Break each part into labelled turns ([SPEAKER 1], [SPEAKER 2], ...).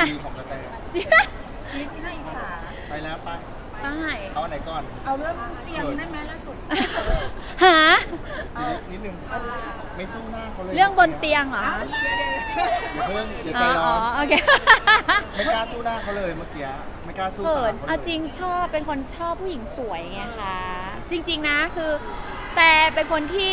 [SPEAKER 1] ดีของกระแต
[SPEAKER 2] ชีวิตที่น่าอิจฉา
[SPEAKER 1] ไปแล้วไป
[SPEAKER 2] ได้
[SPEAKER 1] เอาอันไหนก่อน
[SPEAKER 3] เอาเรื่องเตียงได้ไหมล่าสุด
[SPEAKER 2] หา
[SPEAKER 1] นิดนึงไม่สู้หน้าเขาเลย
[SPEAKER 2] เรื่องบนเตียงเหรอ
[SPEAKER 1] อย่าเพิ่งอย่าใจ
[SPEAKER 2] อ๋อ
[SPEAKER 1] ร้อน
[SPEAKER 2] โอเค
[SPEAKER 1] ไม่กล้าสู้หน้าเขาเลยเมื่อกี้ไม่กล้าสู้
[SPEAKER 2] เขิน
[SPEAKER 1] ตาเขา
[SPEAKER 2] เอา
[SPEAKER 1] เลย
[SPEAKER 2] จริงชอบเป็นคนชอบผู้หญิงสวยไงคะจริง ๆนะคือ แต่เป็นคนที่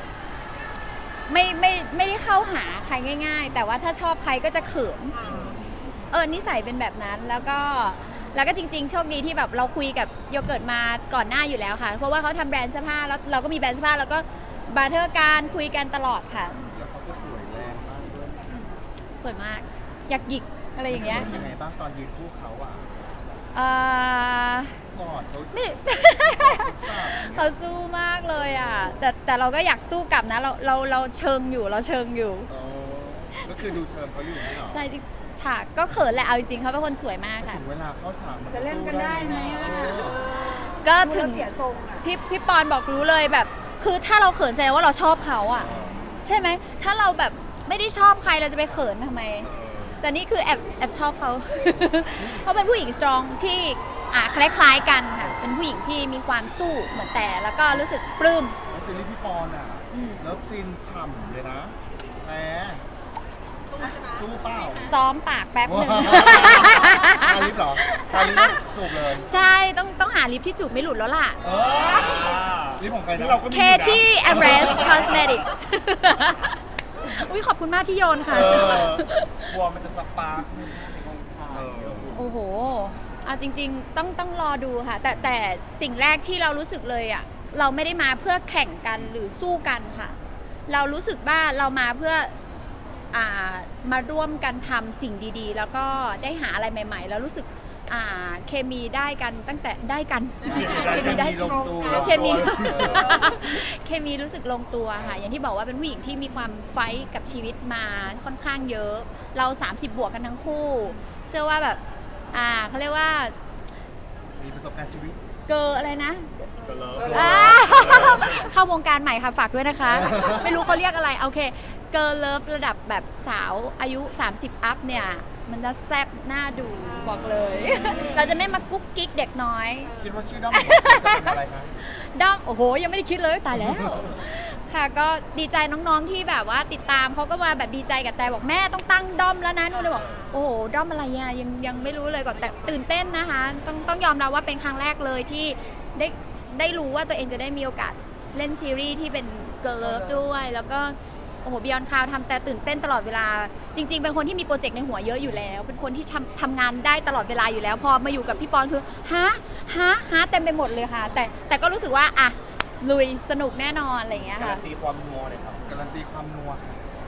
[SPEAKER 2] ไม่ได้เข้าหาใครง่าย ๆ แต่ว่าถ้าชอบใครก็จะเขินนิสัยเป็นแบบนั้นแล้วก็จริงๆโชคดีที่แบบเราคุยกับโยเกิร์ตมาก่อนหน้าอยู่แล้วค่ะ เพราะว่าเขาทำแบรนด์เสื้อผ้าแล้วเราก็มีแบรนด์เสื้อผ้าแล้วก็บาร์เทอร์การคุยกันตลอดค่ะ
[SPEAKER 1] แล้วเขาก็สวยแรงมากด้วย
[SPEAKER 2] สวยมากอยากหยิกอะไรอย่างเงี้ย
[SPEAKER 1] ยังไงบ้างตอนยืนคู่เขาอ่ะ
[SPEAKER 2] เอ่อก
[SPEAKER 1] อดเขา
[SPEAKER 2] ไม่ เขาสู้มากเลยอ่ะแต่เราก็อยากสู้กลับนะเราเชิงอยู่เราเชิงอยู่
[SPEAKER 1] อ๋อก็คือดูเชิญเขาอยู่นี่เหรอ
[SPEAKER 2] ใช่จริงฉากก็เขินแหละเอาจริงๆเขาเป็นคนสวยมากค่ะ
[SPEAKER 1] ถึงเวลาเข้าฉากมัน
[SPEAKER 3] จะเล่นกันได้ไหมอะ
[SPEAKER 2] ก็ถึง
[SPEAKER 3] เสียทรงอ่ะ
[SPEAKER 2] พี่ปอนบอกรู้เลยแบบ คือถ้าเราเขินแสดงว่าเราชอบเขาอ่ะ ใช่ไหมถ้าเราแบบไม่ได้ชอบใครเราจะไปเขินทำไม แต่นี่คือแอบชอบเขา เขาเป็นผู้หญิงสตรองที่คล้ายๆกันค่ะเป็นผู้หญิงที่มีความสู้เหมือนแต่แล้วก็รู้สึกปลื้ม
[SPEAKER 1] แล้วซีรีส์พี่ปอนอ่ะ
[SPEAKER 2] อืม
[SPEAKER 1] แล้วซีนฉ่ำเลยนะแต่สู้เปล่า
[SPEAKER 2] ซ้อมปากแป๊บหนึ่ง
[SPEAKER 1] ทาลิปเหรอทาลิปจูบเลย
[SPEAKER 2] ใช่ต้องหาลิปที่จูบไม่หลุดแล้วล่ะ
[SPEAKER 1] ลิปของใครนะเราก็มี
[SPEAKER 2] เคที่ Embrace Cosmetics อุ้ยขอบคุณมากที่โยนค่ะ
[SPEAKER 4] กลัวมันจะสปาร์กในกองถ่าย
[SPEAKER 2] โอ้โหเอาจริงๆต้องรอดูค่ะ แต่สิ่งแรกที่เรารู้สึกเลยอ่ะเราไม่ได้มาเพื่อแข่งกันหรือสู้กันค่ะ เรารู้สึกว่าเรามาเพื่อมาร่วมกันทำสิ่งดีๆ แล้วก็ได้หาอะไรใหม่ๆ แล้วรู้สึกเคมีได้กันตั้งแต่ได้กันเคมีได้
[SPEAKER 1] ลงตัว
[SPEAKER 2] เคมี เคมีรู้สึกลงตัวค่ะอย่างที่บอกว่าเป็นผู้หญิงที่มีความไฟท์กับชีวิตมาค่อนข้างเยอะ เรา30บวกกันทั้งคู่ เชื่อว่าแบบเขาเรียกว่า
[SPEAKER 1] มีประสบการณ์ชีวิต
[SPEAKER 2] เกออะไรนะ
[SPEAKER 4] ก็เลย
[SPEAKER 2] เข้าวงการใหม่ค่ะฝากด้วยนะคะ ไม่รู้เขาเรียกอะไรโอเคเกิร์ลเลิฟระดับแบบสาวอายุ30อัพเนี่ยมันจะแซ่บน่าดูบอกเลย เราจะไม่มากุ๊กกิ๊กเด็กน้อย
[SPEAKER 1] คิดว่าชื่อด้อมของเราจะเป็นอะไรคะ
[SPEAKER 2] ด้อมโอ้โหยังไม่ได้คิดเลยตายแล้วค่ะก็ดีใจน้องๆที่แบบว่าติดตามเขาก็มาแบบดีใจกับแต่บอกแม่ต้องตั้งด้อมแล้วนะนู่นเลยบอกโอ้โหด้อมอะไรอ่ะยังไม่รู้เลยก่อนแต่ตื่นเต้นนะคะต้องยอมรับว่าเป็นครั้งแรกเลยที่ได้รู้ว่าตัวเองจะได้มีโอกาสเล่นซีรีส์ที่เป็นเกิร์ลเลิฟด้วยแล้วก็โอ้โหบิยอนคาวทำแต่ตื่นเต้นตลอดเวลาจริงๆเป็นคนที่มีโปรเจกต์ในหัวเยอะอยู่แล้ว เป็นคนที่ทำงานได้ตลอดเวลาอยู่แล้วพอมาอยู่กับพี่ปอนคือฮะเต็มไปหมดเลยค่ะ แต่ก็รู้สึกว่าลุยสนุกแน่นอนอะไรอย่างเงี้ย
[SPEAKER 4] การั
[SPEAKER 2] ค่ะ
[SPEAKER 4] นตีความนัวเลยครับ
[SPEAKER 1] การันตีความนัวค่ะ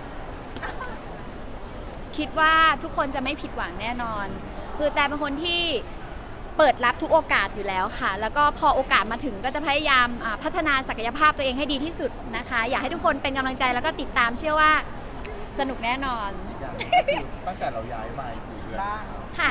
[SPEAKER 2] คิดว่าทุกคนจะไม่ผิดหวังแน่นอน คือแต่เป็นคนที่เปิดรับทุกโอกาสอยู่แล้วค่ะ แล้วก็พอโอกาสมาถึงก็จะพยายามพัฒนาศักยภาพตัวเองให้ดีที่สุดนะคะ อยากให้ทุกคนเป็นกำลังใจแล้วก็ติดตามเชื่อว่าสนุกแน่นอน
[SPEAKER 1] อีกอย่างหนึ่งก็คือตั้งแต่เราย้ายมาอยู่เดือน
[SPEAKER 2] ค่ะ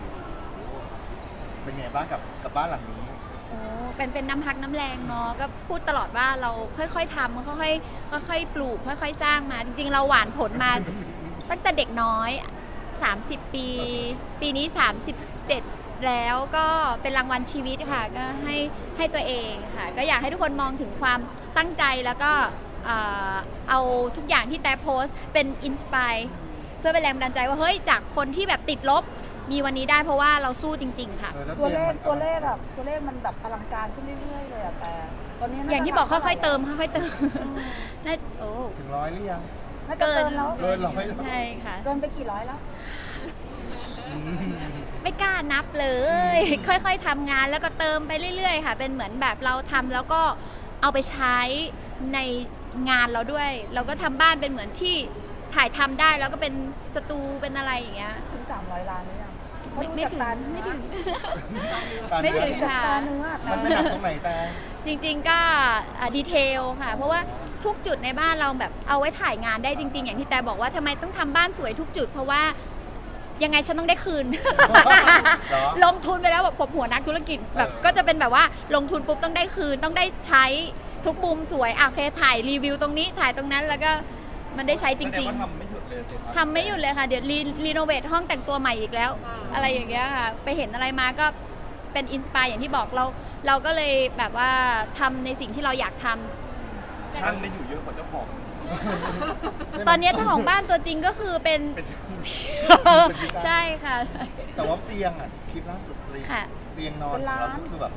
[SPEAKER 1] เป็นไงบ้างกับบ้านหลังนี้
[SPEAKER 2] โอ้เป็นน้ำพักน้ำแรงเนาะก็พูดตลอดว่าเราค่อยๆทำค่อยๆปลูกค่อยๆสร้างมา จริงๆ เราหวานผลมาตั้งแต่เด็กน้อย30 ปีนี้37แล้วก็เป็นรางวัลชีวิตค่ะก็ให้ตัวเองค่ะก็อยากให้ทุกคนมองถึงความตั้งใจแล้วก็เอาทุกอย่างที่แต่โพสต์เป็นอินสปายเพื่อเป็นแรงบันดาลใจว่าเฮ้ยจากคนที่แบบติดลบมีวันนี้ได้เพราะว่าเราสู้จริงๆค่ะ
[SPEAKER 1] แล้ว
[SPEAKER 3] ตัวเลข
[SPEAKER 1] มัน
[SPEAKER 3] ตัวเลขมันแบบอลังการขึ้นเรื่อยๆเลยอะแต่ตอนนี้
[SPEAKER 2] อย่างที่บอกค่อยๆเติมค่อยๆเติมน่าโอ้
[SPEAKER 1] ถึง100หรือยัง
[SPEAKER 3] น่าจะเกินแล้ว
[SPEAKER 1] เกิน100แล้ว
[SPEAKER 2] ใช่ค่ะ
[SPEAKER 3] เกินไปกี่ร้อยแล้ว
[SPEAKER 2] ไม่กล้านับเลย ค่อยๆทำงานแล้วก็เติมไปเรื่อยๆค่ะ เป็นเหมือนแบบเราทำแล้วก็เอาไปใช้ในงานเราด้วย เราก็ทำบ้านเป็นเหมือนที่ถ่ายทำได้แล้วก็เป็นสตูเป็นอะไรอย่างเงี้ย
[SPEAKER 3] ถึง300 ล้านหรือยัง
[SPEAKER 2] ไม่ถึงไม่ถึง
[SPEAKER 1] ตา
[SPEAKER 2] ไม่
[SPEAKER 1] เนื้อ
[SPEAKER 2] ถึงค่ะ
[SPEAKER 3] ตาเนื้อ
[SPEAKER 1] มันไปหนักตรงไหนแต่
[SPEAKER 2] จริงๆก็ดีเทลค่ะ เพราะว่าทุกจุดในบ้านเราแบบเอาไว้ถ่ายงานได้จริงๆ อย่างที่แต่บอกว่าทำไมต้องทำบ้านสวยทุกจุด เพราะว่ายังไงฉันต้องได้คืน ลงทุนไปแล้วแบบผมหัวนักธุรกิจแบบก็จะเป็นแบบว่าลงทุนปุ๊บต้องได้คืนต้องได้ใช้ทุกมุมสวยโอเคถ่ายรีวิวตรงนี้ถ่ายตรงนั้นแล้วก็มันได้ใช้จ
[SPEAKER 4] แสด
[SPEAKER 2] ริ
[SPEAKER 4] ง
[SPEAKER 2] ง
[SPEAKER 4] ว่าทำไม่หยุดเลย
[SPEAKER 2] ทำไม่หยุดเลยค่ะ เดี๋ยวรีโนเวทห้องแต่งตัวใหม่อีกแล้ว อะไรอย่างเงี้ยค่ะ ไปเห็นอะไรมาก็เป็นอินสปายอย่างที่บอกเราก็เลยแบบว่าทำในสิ่งที่เราอยากทำ
[SPEAKER 4] ช่างได้อยู่เยอะกว่าเจ้าของ
[SPEAKER 2] ตอนนี้เจ้าของบ้านตัวจริงก็คือเป็น
[SPEAKER 4] เป็นช่าง
[SPEAKER 2] ใช่ค่ะ
[SPEAKER 1] แต่ว่าเตียงอ่ะคลิปล่าสุดเลย
[SPEAKER 2] ค่ะ
[SPEAKER 1] เตียงนอนของเราก็คือแบบ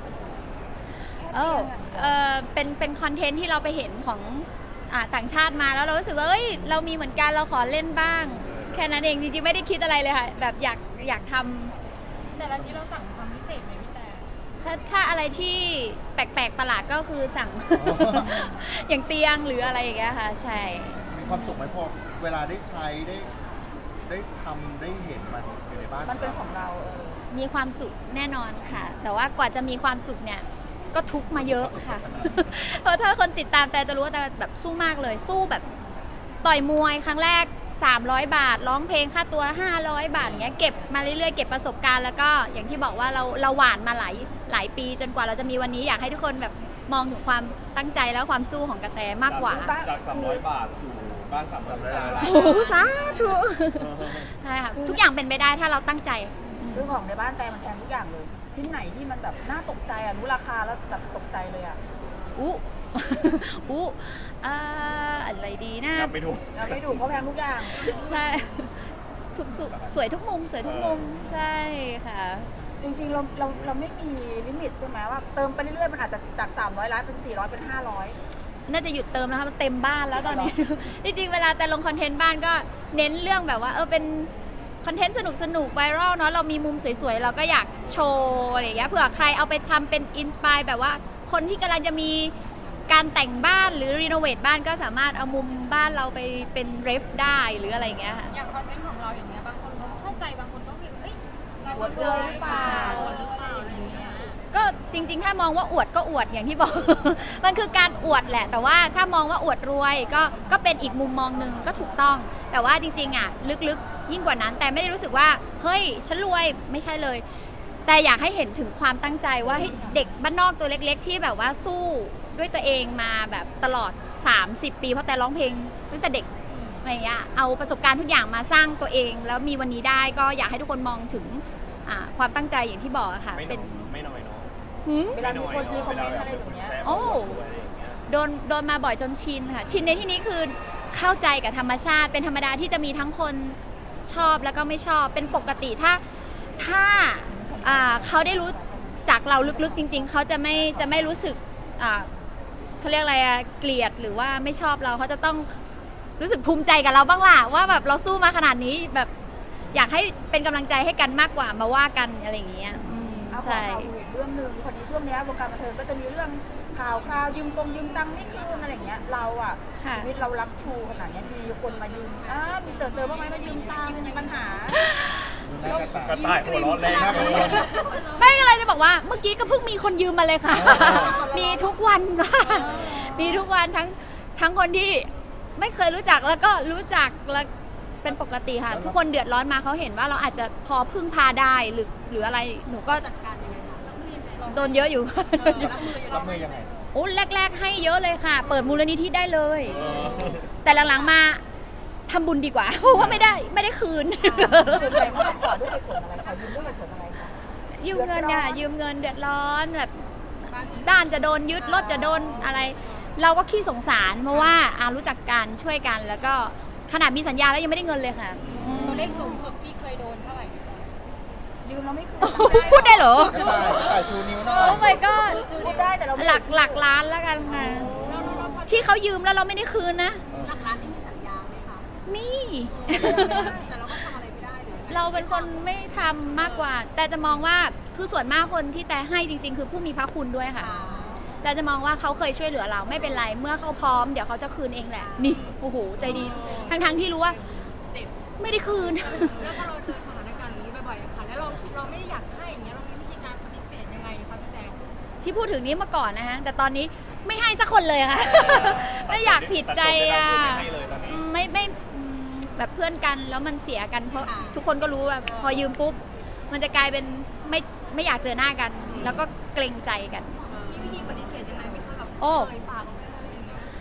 [SPEAKER 2] เป็นคอนเทนต์ที่เราไปเห็นของต่างชาติมาแล้วเรารู้สึกว่าเอ้ยเรามีเหมือนกันเราขอเล่นบ้าง แค่นั้นเองจริงๆไม่ได้คิดอะไรเลยค่ะแบบอยากทำ
[SPEAKER 5] แต่ละชิ้นเราสั่งทำพิเศษไหมพี่แต่
[SPEAKER 2] ถ้าอะไรที่แปลกๆประหลาดก็คือสั่ง อย่างเตียงหรืออะไรอย่างเงี้ยค่ะใช่
[SPEAKER 1] มีความสุขไหมพอเวลาได้ใช้ได้ทำได้เห็นมันอยู่ในบ้าน
[SPEAKER 3] มันเป็นของเรา
[SPEAKER 2] มีความสุขแน่นอนค่ะ แต่ว่ากว่าจะมีความสุขเนี่ยก็ทุกข์มาเยอะค่ะ เพราะถ้าคนติดตามแต่จะรู้ว่าแต่แบบสู้มากเลยสู้แบบต่อยมวยครั้งแรก300 บาทร้องเพลงค่าตัว500 บาทอย่างเงี้ยเก็บมาเรื่อยๆเก็บประสบการณ์แล้วก็อย่างที่บอกว่าเราหวานมาหลายปีจนกว่าเราจะมีวันนี้อยากให้ทุกคนแบบมองถึงความตั้งใจและความสู้ของกระแตมากกว่า
[SPEAKER 4] จาก300 บาทสู่บ้าน300 ล้าน
[SPEAKER 2] โอ้โหสาธุใช่ค่ะทุกอย่างเป็นไปได้ถ้าเราตั้งใจ
[SPEAKER 3] คือของในบ้านแต่มันแพงทุกอย่างเลย ชิ้นไหนที่มันแบบน่าตกใจรู้ราคาแล้วแบบตกใจเลย
[SPEAKER 2] อู้ อู้อะไรดีนะ
[SPEAKER 4] นับไม่ถูก
[SPEAKER 3] เราไม่ถูกเพราะแพงทุกอย่าง
[SPEAKER 2] ใช่ทุกสวยทุกมุมสวยทุกมุมใช่ค่ะ
[SPEAKER 3] จริงๆเราไม่มีลิมิตใช่ไหมว่าเติมไปเรื่อยๆมันอาจจะจาก300 ล้านเป็น400เป็น500
[SPEAKER 2] น่าจะหยุดเติมแล้วค่ะมันเต็มบ้านแล้วตอนนี้ จริงๆเวลาแต่ลงคอนเทนต์บ้านก็เน้นเรื่องแบบว่าเป็นคอนเทนต์สนุกไวรัลเนาะเรามีมุมสวยๆเราก็อยากโชว์อะไรอย่างเงี้ยเผื่อใครเอาไปทำเป็นอินสปายแบบว่าคนที่กำลังจะมีการแต่งบ้านหรือรีโนเวทบ้านก็สามารถเอามุมบ้านเราไปเป็นเรฟได้หรืออะไรอย่างเงี้ยค่ะ
[SPEAKER 5] อย่างคอนเทนต์ของเราอย่างเงี้ยบางคนเขาเข้าใจบางคนก็คิดเอ้ยเรา
[SPEAKER 3] อวดเกินหรือเปล่า
[SPEAKER 5] อวดหรือเปล่าอะไรอย่างเงี้ย
[SPEAKER 2] ก็จริงๆถ้ามองว่าอวดก็อวดอย่างที่บอก มันคือการอวดแหละ แต่ว่าถ้ามองว่าอวดรวยก็เป็นอีกมุมมองหนึ่งก็ถูกต้อง แต่ว่าจริงๆอ่ะลึกๆยิ่งกว่านั้น แต่ไม่ได้รู้สึกว่าเฮ้ยฉันรวยไม่ใช่เลย แต่อยากให้เห็นถึงความตั้งใจว่าเด็กบ้านนอกตัวเล็กๆ ที่แบบว่าสู้ด้วยตัวเองมาแบบตลอด30 ปีเพราะแต่ร้องเพลงตั้งแต่เด็กอะไรเงี้ยเอาประสบการณ์ทุกอย่างมาสร้างตัวเอง แล้วมีวันนี้ได้ก็อยากให้ทุกคนมองถึงความตั้งใจอย่างที่บอกอะค่ะ
[SPEAKER 4] ไม่น้อยเนาะ
[SPEAKER 3] เวลามีคนมีคอมเมนต์อะไรแบบเนี้ย
[SPEAKER 2] โอ้โดนมาบ่อยจนชินค่ะชินในที่นี้คือเข้าใจกับธรรมชาติเป็นธรรมดาที่จะมีทั้งคนชอบแล้วก็ไม่ชอบเป็นปกติถ้าเขาได้รู้จากเราลึกๆจริงๆเขาจะไม่รู้สึกเขาเรียกอะไรเกลียดหรือว่าไม่ชอบเราเขาจะต้องรู้สึกภูมิใจกับเราบ้างล่ะว่าแบบเราสู้มาขนาดนี้แบบอยากให้เป็นกำลังใจให้กันมากกว่ามาว่ากันอะไรอย่างเงี้ยใช่
[SPEAKER 3] เอาอีกเรื่องหนึ่งพอดีช่วงนี้วงการบันเทิงก็จะมีเรื่องข่าวยืมตังค์ไม่คืนอะไรอย่างเงี้ยเราชีวิตเรารักชูขนาดนี้มีคนมายืมมีเจอบ้างไหมมายืมตังค์มีปัญหา
[SPEAKER 1] ดูหน้ากระต่าย
[SPEAKER 4] กระต่ายหัวเราะแรง
[SPEAKER 1] หน้ากระต่าย
[SPEAKER 2] ไม่อะไรจะบอกว่าเมื่อกี้ก็เพิ่งมีคนยืมมาเลยค่ะ มีทุกวันจ้ะมีทุกวันทั้งคนที่ไม่เคยรู้จักแล้วก็รู้จักแล้วเป็นปกติค่ะ ทุกคนเดือดร้อนมาเขาเห็นว่าเราอาจจะพอพึ่งพาได้หรืออะไรหนูก็จัดการยังไงโดนเยอะอยู่
[SPEAKER 1] รับมือยังไง
[SPEAKER 2] โอ้แรกๆให้เยอะเลยค่ะ เปิดมูลนิธิได้เลย แต่หลังๆมาทำบุญดีกว่า เพราะว่าไม่ได้คืน
[SPEAKER 3] ส่วนใหญ่เขาขอด้วยเหตุผลอะไรขอยืมด้วยเหตุผลอะไรคะ
[SPEAKER 2] ยืมเงินค่ะยืมเงินเดือดร้อนแบบบ้านจะโดนยึดรถจะโดนอะไร เราก็ขี้สงสารเพราะว่ารู้จักกันช่วยกันแล้วก็ขนาดมีสัญญาแล้วยังไม่ได้เงินเลยค่ะ
[SPEAKER 5] ตัวเลขสูงสุดที่เคยโดนเท่าไหร่
[SPEAKER 3] ยืมเราไม่คืน
[SPEAKER 2] พูดได้เหรอ
[SPEAKER 1] กระต่ายชูนิ้วหน่อย
[SPEAKER 2] โอ้ my god
[SPEAKER 3] พูดได้แต่เรา
[SPEAKER 2] หลักล้านแล้วกันค่ะที่เขายืมแล้วเราไม่ได้คืนนะ
[SPEAKER 5] หลักล้านที่มีสัญญาไหมคะ
[SPEAKER 2] มี
[SPEAKER 5] แต่เราก็ทำอะไรไม่ได้หรือ
[SPEAKER 2] เราเป็นคนไม่ทำมากกว่า แต่จะมองว่าคือส่วนมากคนที่แต่ให้จริงๆ คือผู้มีพระคุณด้วยค่ะ แต่จะมองว่าเขาเคยช่วยเหลือเราไม่เป็นไรเมื่อเขาพร้อมเดี๋ยวเขาจะคืนเองแหละนี่โอ้โหใจดีทั้งที่รู้ว่าไม่ได้คืน
[SPEAKER 5] แล้วพอเราเจอสถานการณ์นี้บ่อยๆค่ะแล้วเราไม่ได้อยากให้อย่างเงี้ยเรามีวิธีการปฏิเสธยังไงคะพี่แตง
[SPEAKER 2] ที่พูดถึงนี้มาก่อนนะฮะแต่ตอนนี้ไม่ให้สักคนเลยค่ะ ไม่อยากผิดใจ
[SPEAKER 4] ไม่ให้เลยตอนนี้
[SPEAKER 2] ไม่แบบเพื่อนกันแล้วมันเสียกันเพราะทุกคนก็รู้ว่าพอยืมปุ๊บมันจะกลายเป็นไม่อยากเจอหน้ากัน แล้วก็เกรงใจกัน
[SPEAKER 5] มีวิธีปฏิเสธยังไงไหมคะแบบ
[SPEAKER 2] โอ้
[SPEAKER 5] เอ่ยปากออกไปเลยอย่างเงี้ย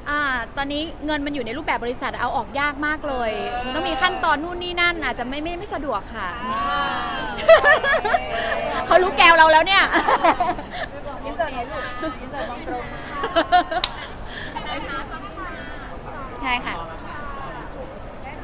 [SPEAKER 2] ตอนนี้เงินมันอยู่ในรูปแบบบริษัทเอาออกยากมากเลย มันต้องมีขั้นตอนนู่นนี่นั่นอาจจะไม่สะดวกค่ะ เขารู้แกวเราแล้วเนี่ย
[SPEAKER 3] อินเสิร์ตไหนลูกอินเสิร์ตมองตรง
[SPEAKER 2] ใช่ค่ะ